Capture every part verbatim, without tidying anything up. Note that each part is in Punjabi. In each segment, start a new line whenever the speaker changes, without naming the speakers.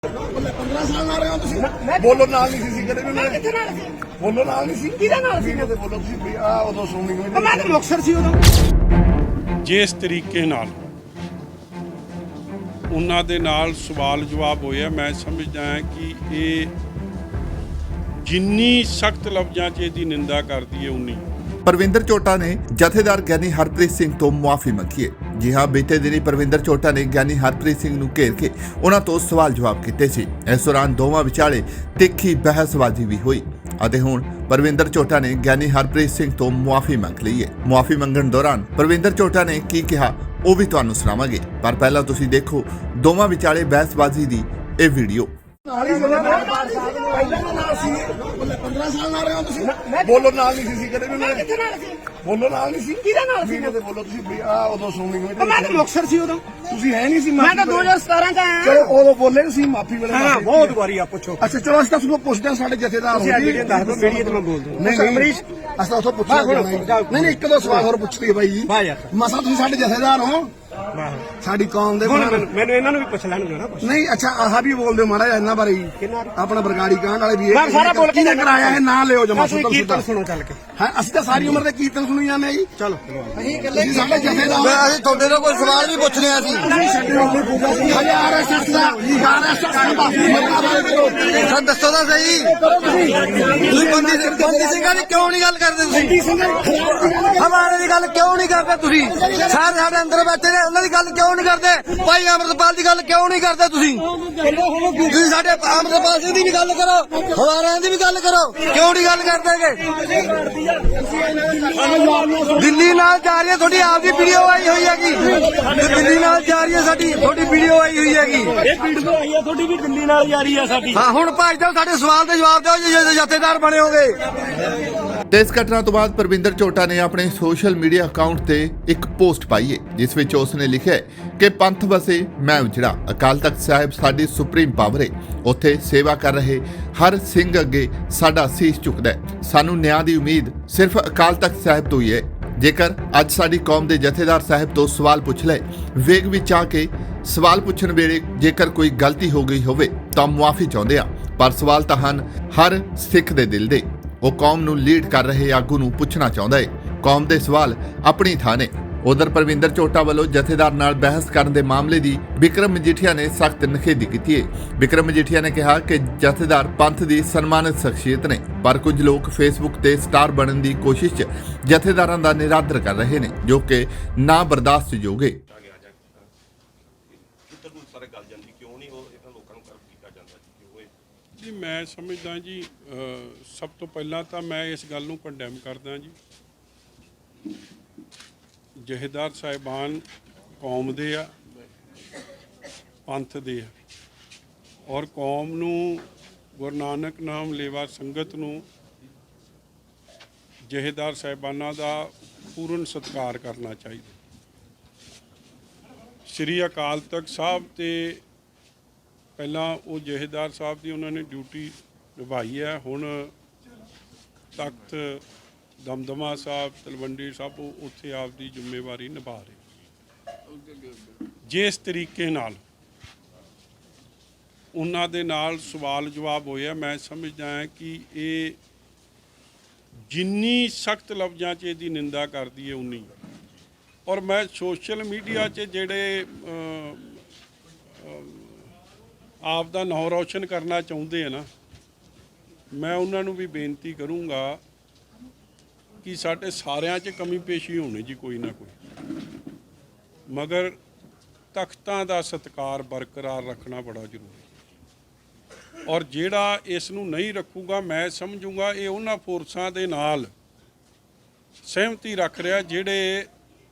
पंद्रह साल ना रहे हो तुसी बोलो नाल नहीं सी कदे भी मैं किथे नाल सी बोलो नाल नहीं सी किदा नाल सी ते बोलो तुसी भी आ उदों सुननी मैं मैं तो मुक्तसर सी उदों
जिस तरीके नाल ਉਹਨਾਂ ਦੇ ਨਾਲ ਸਵਾਲ ਜਵਾਬ ਹੋਇਆ ਮੈਂ ਸਮਝਦਾ ਹਾਂ ਕਿ ਇਹ ਜਿੰਨੀ ਸਖਤ ਲਫ਼ਜ਼ਾਂ 'ਚ ਇਹਦੀ ਨਿੰਦਾ ਕਰਦੀ ਹੈ ਉਨੀ
परविंदर चोटा ने जथेदार ज्ञानी हरप्रीत सिंह तो मुआफी मंगी है। जी हाँ, बीते दिनी परविंदर चोटा ने ज्ञानी हरप्रीत सिंह नूं घेर के उन्हां तो सवाल जवाब कीते सी। इस दौरान दोवां विचाले तिखी बहसबाजी भी हुई ਅਤੇ ਹੁਣ परविंदर चोटा ने ज्ञानी हरप्रीत सिंह तो मुआफी मंग ਲਈ ਹੈ। मुआफी मंगण दौरान परविंदर चोटा ने की कहा ਉਹ ਵੀ ਤੁਹਾਨੂੰ ਸੁਣਾਵਾਂਗੇ, ਪਰ ਪਹਿਲਾਂ ਤੁਸੀਂ ਦੇਖੋ ਦੋਵਾਂ ਵਿਚਾਲੇ ਬਹਿਸਬਾਜ਼ੀ ਦੀ ਇਹ ਵੀਡੀਓ।
पंद्रह साल ना रहे हो तुसी बोलो नाल नहीं सी कदे भी मैं किथे नाल सी बोलो नाल नहीं सी किदा नाल सी ते बोलो तुसी भी आ उदों सुननी मैं मैं तो मुक्तसर सी उदों तुसी है नहीं सी मैं तो दो हज़ार सत्रह का आया चलो उदों बोले सी माफी वेले हां बहुत बारी आप पूछो अच्छा चलो अस तां पुछदे साडे जथेदार हो जी दस दो मीडिया ते मैं बोल दूं नहीं अमरीश अस तां उथों पुछना नहीं नहीं एक दो सवाल और पुछदी है भाई जी मसा तुसी साडे जथेदार हो ਸਾਡੀ ਕੌਮ ਦੇ
ਮੈਨੂੰ ਇਹਨਾਂ ਨੂੰ ਵੀ ਪੁੱਛ ਲੈਣ ਦਿਓ ਨਾ
ਨਹੀਂ ਅੱਛਾ ਆਹ ਵੀ ਬੋਲਦੇ ਮਾੜਾ ਜਿਹਾ ਇਹਨਾਂ ਬਾਰੇ ਆਪਣਾ ਬਰਗਾੜੀ ਕਾਂਡ ਵਾਲੇ ਵੀ
ਮੈਂ ਸਾਰਾ ਬੋਲ ਕੇ
ਕਰਾਇਆ ਇਹ ਨਾ ਲਿਓ ਜਮਾ ਸੁਣ
ਕੀਰਤਨ ਸੁਣੋ ਚੱਲ ਕੇ
ਹਾਂ ਅਸੀਂ ਤਾਂ ਸਾਰੀ ਉਮਰ ਦੇ ਕੀਰਤਨ ਸੁਣੀ ਜਾਂਦੇ ਜੀ ਚਲੋ ਅਸੀਂ ਇਕੱਲੇ ਸਾਡੇ ਜਥੇਦਾਰ
ਅਸੀਂ ਤੁਹਾਡੇ ਤੋਂ ਕੋਈ ਸਵਾਲ ਵੀ ਪੁੱਛ ਰਹੇ ਸੀ
ਹਜ਼ਾਰ ਐਸਐਸ ਦਾ ਹਜ਼ਾਰ ਐਸਐਸ ਦਾ
ਸਰ ਦੱਸੋ ਤਾਂ ਸਹੀ ਤੁਸੀਂ ਬੰਦੀ ਬੰਦੀ ਸਿੰਘਾਂ ਦੀ ਕਿਉਂ ਨਹੀਂ ਗੱਲ ਕਰਦੇ ਤੁਸੀਂ ਹਮਾਰੇ ਦੀ ਗੱਲ ਕਿਉਂ ਨਹੀਂ ਕਰਦੇ ਤੁਸੀਂ ਸਾਰੇ ਸਾਡੇ ਅੰਦਰ ਬੈਠੇ ਨੇ ਉਹਨਾਂ ਦੀ ਗੱਲ ਕਿਉਂ ਨਹੀਂ ਕਰਦੇ ਭਾਈ ਅਮਰਪਾਲ ਦੀ ਗੱਲ ਕਿਉਂ ਨਹੀਂ ਕਰਦੇ ਤੁਸੀਂ ਤੁਸੀਂ ਸਾਡੇ ਅਮਰਪਾਲ ਸਿੰਘ ਦੀ ਵੀ ਗੱਲ ਕਰੋ ਹਵਾਰਿਆਂ ਦੀ ਵੀ ਗੱਲ ਕਰੋ ਕਿਉਂ ਨਹੀਂ ਗੱਲ ਕਰਦੇਗੇ ਦਿੱਲੀ ਨਾਲ ਜਾ ਰਹੀ ਹੈ ਤੁਹਾਡੀ ਆਪ ਦੀ ਵੀਡੀਓ ਆਈ ਹੋਈ ਹੈਗੀ ਦਿੱਲੀ ਨਾਲ ਜਾ ਰਹੀ ਹੈ ਸਾਡੀ ਤੁਹਾਡੀ ਵੀਡੀਓ ਆਈ ਹੋਈ ਹੈਗੀ
ਇਹ ਵੀਡੀਓ ਆਈ ਹੈ ਤੁਹਾਡੀ ਵੀ ਦਿੱਲੀ ਨਾਲ ਜਾ ਰਹੀ ਹੈ ਸਾਡੀ
ਹਾਂ ਹੁਣ ਭਾਈ ਸਾਹਿਬ ਸਾਡੇ ਸਵਾਲ ਦੇ ਜਵਾਬ ਦਿਓ ਜੇ ਜਥੇਦਾਰ ਬਣੇ ਹੋਗੇ।
ਤੇ ਇਸ ਘਟਨਾ ਤੋਂ ਬਾਅਦ परविंदर चोटा ने ਆਪਣੇ ਸੋਸ਼ਲ ਮੀਡੀਆ ਅਕਾਊਂਟ ਤੇ ਇੱਕ ਪੋਸਟ ਪਾਈ ਹੈ ਜਿਸ ਵਿੱਚ ਉਸ ਨੇ ਲਿਖਿਆ ਹੈ ਕਿ ਪੰਥ ਵਸੇ ਮੈਂ ਉਜੜਾ, ਅਕਾਲ ਤਖਤ ਸਾਹਿਬ ਸਾਡੀ ਸੁਪਰੀਮ ਪਾਵਰ ਹੈ, ਉੱਥੇ ਸੇਵਾ ਕਰ ਰਹੇ ਹਰ ਸਿੰਘ ਅੱਗੇ ਸਾਡਾ ਸੀਸ ਝੁਕਦਾ ਹੈ, ਸਾਨੂੰ ਨਿਆਂ ਦੀ ਉਮੀਦ ਸਿਰਫ ਅਕਾਲ ਤਖਤ ਸਾਹਿਬ ਤੋਂ ਹੀ ਹੈ। ਜੇਕਰ ਅੱਜ ਸਾਡੀ ਕੌਮ ਦੇ ਜਥੇਦਾਰ ਸਾਹਿਬ ਤੋਂ ਸਵਾਲ ਪੁੱਛ ਲਏ, ਵੇਗ ਵਿੱਚ ਆ ਕੇ ਸਵਾਲ ਪੁੱਛਣ ਵੇਲੇ ਜੇਕਰ ਕੋਈ ਗਲਤੀ ਹੋ ਗਈ ਹੋਵੇ ਤਾਂ ਮੁਆਫੀ ਚਾਹੁੰਦੇ ਆ, ਪਰ ਸਵਾਲ ਤਾਂ ਹਨ ਹਰ ਸਿੱਖ ਦੇ ਦਿਲ ਦੇ। ਉਹ ਕੌਮ ਨੂੰ ਲੀਡ ਕਰ ਰਹੇ ਆਗੂ ਨੂੰ ਪੁੱਛਣਾ ਚਾਹੁੰਦਾ ਹੈ। ਕੌਮ ਦੇ ਸਵਾਲ ਆਪਣੀ ਥਾਂ ਨੇ। ਉਧਰ परविंदर ਚੋਟਾ ਵੱਲੋਂ ਜਥੇਦਾਰ ਨਾਲ ਬਹਿਸ ਕਰਨ ਦੇ ਮਾਮਲੇ ਦੀ ਵਿਕਰਮ ਮਜੀਠੀਆ ਨੇ ਸਖਤ ਨਿਖੇਧੀ ਕੀਤੀ ਹੈ। ਵਿਕਰਮ ਮਜੀਠੀਆ ਨੇ ਕਿਹਾ ਕਿ ਜਥੇਦਾਰ ਪੰਥ ਦੀ ਸਨਮਾਨਿਤ ਸ਼ਖਸੀਅਤ ਨੇ, ਪਰ ਕੁਝ ਲੋਕ ਫੇਸਬੁੱਕ ਤੇ ਸਟਾਰ ਬਣਨ ਦੀ ਕੋਸ਼ਿਸ਼ 'ਚ ਜਥੇਦਾਰਾਂ ਦਾ ਨਿਰਾਦਰ ਕਰ ਰਹੇ ਨੇ, ਜੋ ਕਿ ਨਾ ਬਰਦਾਸ਼ਤਯੋਗ ਹੈ।
ਜੀ ਮੈਂ ਸਮਝਦਾ ਜੀ ਸਭ ਤੋਂ ਪਹਿਲਾਂ ਤਾਂ ਮੈਂ ਇਸ ਗੱਲ ਨੂੰ ਕੰਡੈਮ ਕਰਦਾ ਜੀ। ਜਥੇਦਾਰ ਸਾਹਿਬਾਨ ਕੌਮ ਦੇ ਆ, ਪੰਥ ਦੇ ਆ, ਔਰ ਕੌਮ ਨੂੰ ਗੁਰੂ ਨਾਨਕ ਨਾਮ ਲੇਵਾ ਸੰਗਤ ਨੂੰ ਜਥੇਦਾਰ ਸਾਹਿਬਾਨਾਂ ਦਾ ਪੂਰਨ ਸਤਿਕਾਰ ਕਰਨਾ ਚਾਹੀਦਾ। ਸ੍ਰੀ ਅਕਾਲ ਤਖਤ ਸਾਹਿਬ ਤੇ ਪਹਿਲਾਂ ਉਹ ਜਥੇਦਾਰ ਸਾਹਿਬ ਦੀ ਉਹਨਾਂ ਨੇ ਡਿਊਟੀ ਨਿਭਾਈ ਹੈ, ਹੁਣ ਤਖਤ ਦਮਦਮਾ ਸਾਹਿਬ ਤਲਵੰਡੀ ਸਾਹਿਬ ਉੱਥੇ ਆਪਦੀ ਜ਼ਿੰਮੇਵਾਰੀ ਨਿਭਾ ਰਹੇ। ਜਿਸ ਤਰੀਕੇ ਨਾਲ ਉਹਨਾਂ ਦੇ ਨਾਲ ਸਵਾਲ ਜਵਾਬ ਹੋਇਆ ਮੈਂ ਸਮਝਦਾ ਹਾਂ ਕਿ ਇਹ ਜਿੰਨੀ ਸਖਤ ਲਫ਼ਜ਼ਾਂ 'ਚ ਇਹਦੀ ਨਿੰਦਾ ਕਰਦੀ ਹੈ ਉਨੀ। ਔਰ ਮੈਂ ਸੋਸ਼ਲ ਮੀਡੀਆ 'ਚ ਜਿਹੜੇ ਆਪ ਦਾ ਨਾਂ ਰੌਸ਼ਨ ਕਰਨਾ ਚਾਹੁੰਦੇ ਆ ਨਾ, ਮੈਂ ਉਹਨਾਂ ਨੂੰ ਵੀ ਬੇਨਤੀ ਕਰੂੰਗਾ ਕਿ ਸਾਡੇ ਸਾਰਿਆਂ 'ਚ ਕਮੀ ਪੇਸ਼ੀ ਹੋਣੀ ਜੀ ਕੋਈ ਨਾ ਕੋਈ, ਮਗਰ ਤਖਤਾਂ ਦਾ ਸਤਿਕਾਰ ਬਰਕਰਾਰ ਰੱਖਣਾ ਬੜਾ ਜ਼ਰੂਰੀ। ਔਰ ਜਿਹੜਾ ਇਸ ਨੂੰ ਨਹੀਂ ਰੱਖੂਗਾ ਮੈਂ ਸਮਝੂੰਗਾ ਇਹ ਉਹਨਾਂ ਫੋਰਸਾਂ ਦੇ ਨਾਲ ਸਹਿਮਤੀ ਰੱਖ ਰਿਹਾ ਜਿਹੜੇ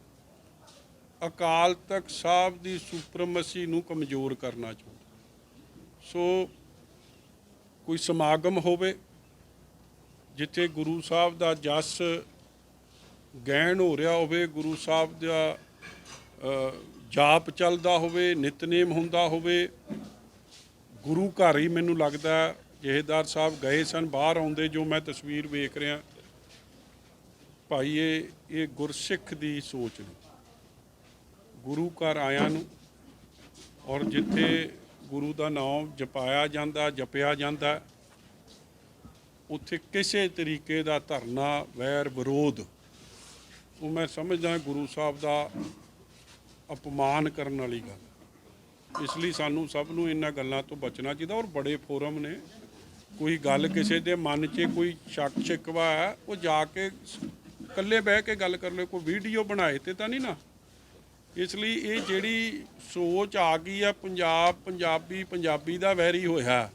ਅਕਾਲ ਤਖਤ ਸਾਹਿਬ ਦੀ ਸੁਪਰਮਸੀ ਨੂੰ ਕਮਜ਼ੋਰ ਕਰਨਾ ਚਾਹੁੰਦੇ। ਸੋ ਕੋਈ ਸਮਾਗਮ ਹੋਵੇ ਜਿੱਥੇ ਗੁਰੂ ਸਾਹਿਬ ਦਾ ਜਸ ਗੈਣ ਹੋ ਰਿਹਾ ਹੋਵੇ, ਗੁਰੂ ਸਾਹਿਬ ਦਾ ਜਾਪ ਚੱਲਦਾ ਹੋਵੇ, ਨਿਤਨੇਮ ਹੁੰਦਾ ਹੋਵੇ, ਗੁਰੂ ਘਰ ਹੀ ਮੈਨੂੰ ਲੱਗਦਾ ਜਥੇਦਾਰ ਸਾਹਿਬ ਗਏ ਸਨ, ਬਾਹਰ ਆਉਂਦੇ ਜੋ ਮੈਂ ਤਸਵੀਰ ਵੇਖ ਰਿਹਾ ਭਾਈ ਇਹ ਇਹ ਗੁਰਸਿੱਖ ਦੀ ਸੋਚ ਨੇ। ਗੁਰੂ ਘਰ ਆਇਆਂ ਨੂੰ ਔਰ ਜਿੱਥੇ ਗੁਰੂ ਦਾ ਨਾਮ ਜਪਾਇਆ ਜਾਂਦਾ ਜਪਿਆ ਜਾਂਦਾ, ਉੱਥੇ ਕਿਸੇ ਤਰੀਕੇ ਦਾ ਧਰਨਾ ਵੈਰ ਵਿਰੋਧ ਉਹ ਮੈਂ ਸਮਝਦਾ ਗੁਰੂ ਸਾਹਿਬ ਦਾ ਅਪਮਾਨ ਕਰਨ ਵਾਲੀ ਗੱਲ। ਇਸ ਲਈ ਸਾਨੂੰ ਸਭ ਨੂੰ ਇਹਨਾਂ ਗੱਲਾਂ ਤੋਂ ਬਚਣਾ ਚਾਹੀਦਾ। ਔਰ ਬੜੇ ਫੋਰਮ ਨੇ, ਕੋਈ ਗੱਲ ਕਿਸੇ ਦੇ ਮਨ 'ਚ ਕੋਈ ਸ਼ੱਕ ਸ਼ਿਕਵਾ ਹੈ ਉਹ ਜਾ ਕੇ ਇਕੱਲੇ ਬਹਿ ਕੇ ਗੱਲ ਕਰ ਲਓ, ਕੋਈ ਵੀਡੀਓ ਬਣਾਏ ਤੇ ਤਾਂ ਨਹੀਂ ਨਾ। ਇਸ ਲਈ ਇਹ ਜਿਹੜੀ ਸੋਚ ਆ ਗਈ ਆ ਪੰਜਾਬ ਪੰਜਾਬੀ ਪੰਜਾਬੀ ਦਾ ਵੈਰੀ ਹੋਇਆ,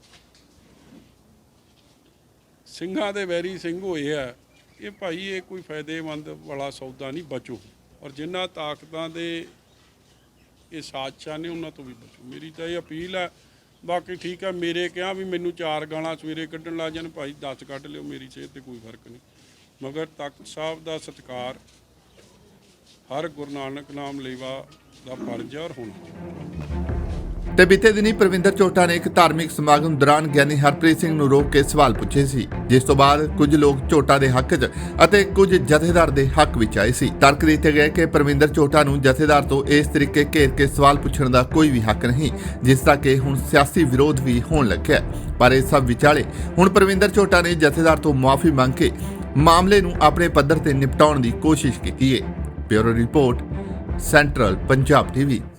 ਸਿੰਘਾਂ ਦੇ ਵੈਰੀ ਸਿੰਘ ਹੋਏ ਆ, ਇਹ ਭਾਈ ਇਹ ਕੋਈ ਫਾਇਦੇਮੰਦ ਵਾਲਾ ਸੌਦਾ ਨਹੀਂ। ਬਚੋ, ਔਰ ਜਿਨ੍ਹਾਂ ਤਾਕਤਾਂ ਦੇ ਇਹ ਸਾਜ਼ਿਸ਼ਾਂ ਨੇ ਉਹਨਾਂ ਤੋਂ ਵੀ ਬਚੋ। ਮੇਰੀ ਤਾਂ ਇਹ ਅਪੀਲ ਹੈ। ਬਾਕੀ ਠੀਕ ਹੈ, ਮੇਰੇ ਕਿਹਾ ਵੀ ਮੈਨੂੰ ਚਾਰ ਗਾਲਾਂ ਸਵੇਰੇ ਕੱਢਣ ਲੱਗ ਜਾਣ, ਭਾਈ ਦਸ ਕੱਢ ਲਿਓ, ਮੇਰੀ ਸਿਹਤ 'ਤੇ ਕੋਈ ਫਰਕ ਨਹੀਂ। ਮਗਰ ਤਖ਼ਤ ਸਾਹਿਬ ਦਾ ਸਤਿਕਾਰ ਹਰ ਗੁਰੂ ਨਾਨਕ ਨਾਮ ਲੇਵਾ ਦਾ ਫਰਜ਼ ਹੈ ਔਰ ਹੋਣਾ।
ਤੇ ਬੀਤੇ ਦਿਨੀ ਪ੍ਰਵਿੰਦਰ ਝੋਟਾ ਨੇ ਇੱਕ ਧਾਰਮਿਕ ਸਮਾਗਮ ਦੌਰਾਨ ਗਿਆਨੀ ਹਰਪ੍ਰੀਤ ਸਿੰਘ ਨੂੰ ਰੋਕ ਕੇ ਸਵਾਲ ਪੁੱਛੇ ਸੀ, ਜਿਸ ਤੋਂ ਬਾਅਦ ਕੁਝ ਲੋਕ ਝੋਟਾ ਦੇ ਹੱਕ 'ਚ ਅਤੇ ਕੁਝ ਜਥੇਦਾਰ ਦੇ ਹੱਕ ਵਿੱਚ ਆਏ ਸੀ। ਤਰਕ ਦਿੱਤੇ ਗਏ ਕਿ ਪ੍ਰਵਿੰਦਰ ਝੋਟਾ ਨੂੰ ਜਥੇਦਾਰ ਤੋਂ ਇਸ ਤਰੀਕੇ ਘੇਰ ਕੇ ਸਵਾਲ ਪੁੱਛਣ ਦਾ ਕੋਈ ਵੀ ਹੱਕ ਨਹੀਂ, ਜਿਸ ਦਾ ਕਿ ਹੁਣ ਸਿਆਸੀ ਵਿਰੋਧ ਵੀ ਹੋਣ ਲੱਗਿਆ। ਪਰ ਇਸ ਸਭ ਵਿਚਾਲੇ ਹੁਣ ਪ੍ਰਵਿੰਦਰ ਝੋਟਾ ਨੇ ਜਥੇਦਾਰ ਤੋਂ ਮੁਆਫੀ ਮੰਗ ਕੇ ਮਾਮਲੇ ਨੂੰ ਆਪਣੇ ਪੱਧਰ ਤੇ ਨਿਪਟਾਉਣ ਦੀ ਕੋਸ਼ਿਸ਼ ਕੀਤੀ ਹੈ। Bureau report, central Punjab TV.